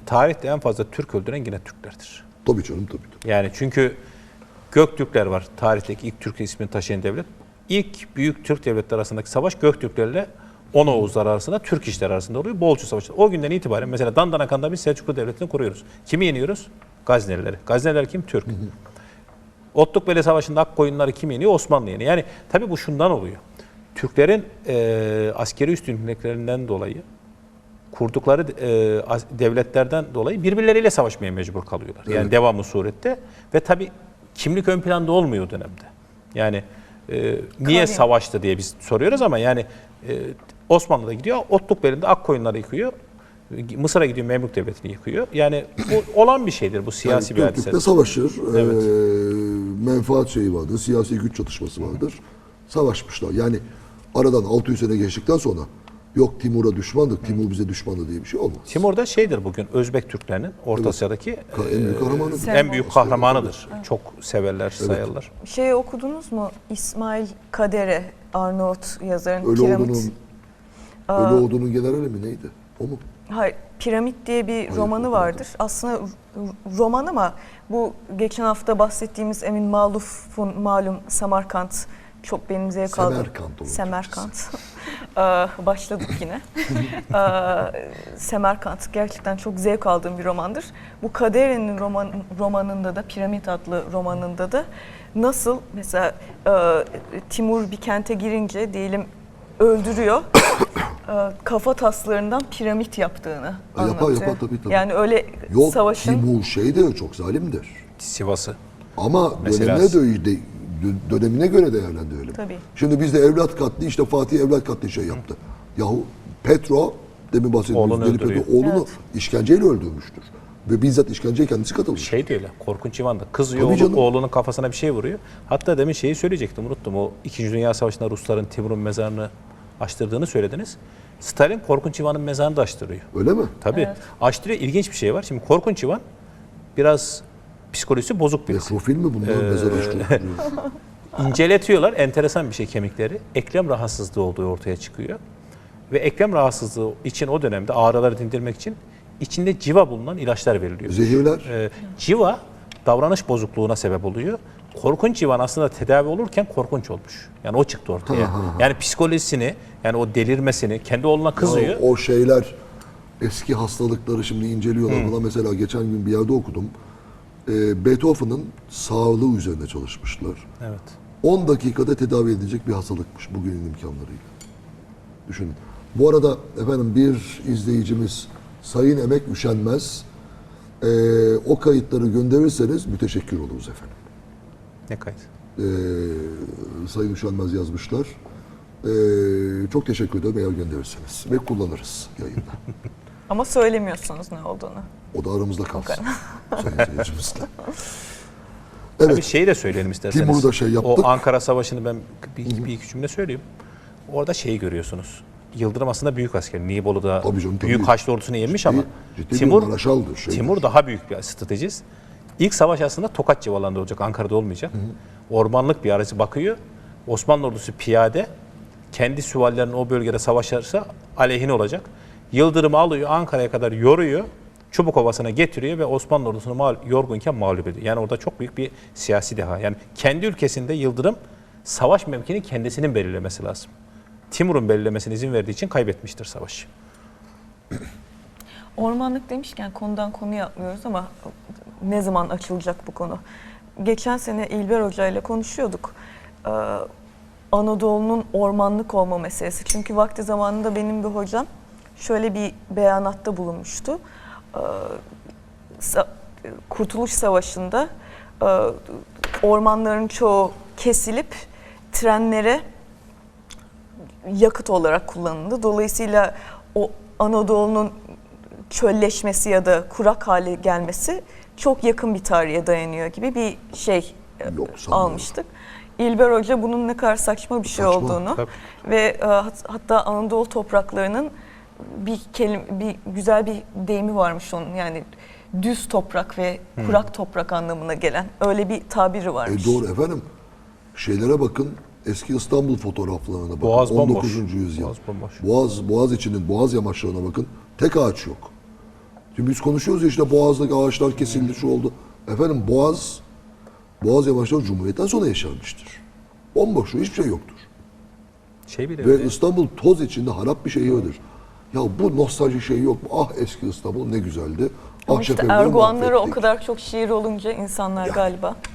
tarihte en fazla Türk öldüren yine Türklerdir. Tabii canım tabii. Yani çünkü Göktürkler var, tarihteki ilk Türk ismini taşıyan devlet. İlk büyük Türk devletleri arasındaki savaş Göktürklerle On Oğuzlar arasında, Türk işler arasında oluyor. Bolcu Savaşı. O günden itibaren mesela Dandanakan'da biz Selçuklu Devleti'ni kuruyoruz. Kimi yeniyoruz? Gaznelileri. Gazneliler kim? Türk. Otlukbeli Savaşı'nda Akkoyunları kim yeniyor? Osmanlı yeniyor. Yani tabii bu şundan oluyor. Türklerin askeri üstünlüklerinden dolayı, kurdukları devletlerden dolayı birbirleriyle savaşmaya mecbur kalıyorlar. Yani devamlı surette ve tabii kimlik ön planda olmuyor o dönemde. Yani niye savaştı diye biz soruyoruz ama yani Osmanlı'da gidiyor, Otlukbeli'nde Akkoyunları yıkıyor. Mısır'a gidiyor, Memlük Devleti'ni yıkıyor. Yani bu olan bir şeydir, bu siyasi yani bir hadise. Türk'le savaşır, Evet. menfaat şeyi vardır, siyasi güç çatışması vardır. Savaşmışlar. Yani aradan 600 sene geçtikten sonra yok Timur'a düşmandık, Timur bize düşmandı diye bir şey olmaz. Timur da şeydir bugün Özbek Türklerinin Orta Asya'daki En büyük kahramanıdır. en büyük kahramanıdır. Çok severler, sayarlar. Şey okudunuz mu? İsmail Kadere, Arnavut yazarın Ölüoğlu'nun generali mi neydi? O mu? Hayır, Piramit diye bir romanı vardır. Aslında roman ama bu geçen hafta bahsettiğimiz Emin Maluf'un malum Samarkand çok benim zevk aldığım. Semerkant olur. Semerkant. Başladık yine. Semerkant gerçekten çok zevk aldığım bir romandır. Bu Kadere'nin romanında da, Piramit adlı romanında da nasıl mesela Timur bir kente girince diyelim öldürüyor. Kafa taslarından piramit yaptığını anlatıyor. Yapar tabii. Yani öyle yok, savaşın... Timur de çok zalimdir. Sivas'ı. Ama Mesela dönemine göre değerlendirelim. Tabii. Şimdi bizde evlat katli, işte Fatih evlat katli şey yaptı. Yahu Petro, demin bahsettiğimiz Deli Petro, oğlunu işkenceyle öldürmüştür. Ve bizzat işkenceye kendisi katılmış. Şey de öyle, Korkunç İvan'da. Kızıyor, oğlunun kafasına bir şey vuruyor. Hatta demin şeyi söyleyecektim, unuttum. O 2. Dünya Savaşı'nda Rusların Timur'un mezarını açtırdığını söylediniz. Stalin Korkunç İvan'ın mezarını da açtırıyor. Öyle mi? Tabii. Evet. Açtırıyor. İlginç bir şey var. Şimdi Korkunç İvan biraz psikolojisi bozuk birisi. Nekrofil mi bunlar? Mezar açtırıyor. İnceletiyorlar. Enteresan bir şey kemikleri. Eklem rahatsızlığı olduğu ortaya çıkıyor. Ve eklem rahatsızlığı için o dönemde ağrıları dindirmek için içinde civa bulunan ilaçlar veriliyor. Zehirler. Civa davranış bozukluğuna sebep oluyor. Korkunç İvan aslında tedavi olurken korkunç olmuş. Yani o çıktı ortaya. Yani psikolojisini, yani o delirmesini, kendi oğluna kızıyor. Ya o şeyler, eski hastalıkları şimdi inceliyorlar. Buna mesela geçen gün bir yerde okudum. Beethoven'ın sağlığı üzerine çalışmışlar. Evet. 10 dakikada tedavi edilecek bir hastalıkmış bugünün imkanlarıyla. Düşünün. Bu arada efendim bir izleyicimiz Sayın Emek Üşenmez, o kayıtları gönderirseniz müteşekkir oluruz efendim. Ne kayıt? Sayın Üşenmez yazmışlar. Çok teşekkür ederim eğer gönderirseniz ve kullanırız yayında. Ama söylemiyorsunuz ne olduğunu. O da aramızda kalsın. Sayın izleyicimizle. Evet. Tabii şeyi de söyleyelim isterseniz. Timur'da şey yaptık. O Ankara Savaşı'nı ben bir iki cümle söyleyeyim. Orada şeyi görüyorsunuz. Yıldırım aslında büyük asker. Nibolu'da büyük Haçlı ordusunu yenmiş ama Timur daha büyük bir stratejist. İlk savaş aslında Tokat civarlarında olacak, Ankara'da olmayacak. Ormanlık bir arazi bakıyor. Osmanlı ordusu piyade, kendi süvarilerinin o bölgede savaşırsa aleyhine olacak. Yıldırım'ı alıyor, Ankara'ya kadar yoruyor, Çubukovası'na getiriyor ve Osmanlı ordusunu yorgunken mağlup ediyor. Yani orada çok büyük bir siyasi deha. Yani kendi ülkesinde Yıldırım savaş mevkini kendisinin belirlemesi lazım. Timur'un belirlemesine izin verdiği için kaybetmiştir savaşı. Ormanlık demişken konudan konuya atlıyoruz ama ne zaman açılacak bu konu? Geçen sene İlber Hoca ile konuşuyorduk. Anadolu'nun ormanlık olma meselesi. Çünkü vakti zamanında benim bir hocam şöyle bir beyanatta bulunmuştu. Kurtuluş Savaşı'nda ormanların çoğu kesilip trenlere yakıt olarak kullanıldı. Dolayısıyla o Anadolu'nun çölleşmesi ya da kurak hale gelmesi çok yakın bir tarihe dayanıyor gibi bir şey almıştık. İlber Hoca bunun ne kadar saçma bir şey olduğunu ve hatta Anadolu topraklarının bir güzel bir deyimi varmış onun, yani düz toprak ve kurak toprak anlamına gelen öyle bir tabiri varmış. Doğru efendim. Şeylere bakın. Eski İstanbul fotoğraflarına bakın. Boğaz 19. yüzyıl. Boğaz Boğaz içinin boğaz yamaçlarına bakın. Tek ağaç yok. Şimdi biz konuşuyoruz ya işte Boğaz'daki ağaçlar kesildi, şu oldu. Efendim Boğaz yamaçları Cumhuriyet'ten sonra yaşanmıştır. Bomboş, hiçbir şey yoktur. Şey bile Ve öyle. İstanbul toz içinde harap bir şehirdir. Ya bu nostalji şeyi yok mu? Ah eski İstanbul ne güzeldi. Ama Ah işte şefemleri Erguvanlara o mahvettik. kadar çok şiir olunca insanlar galiba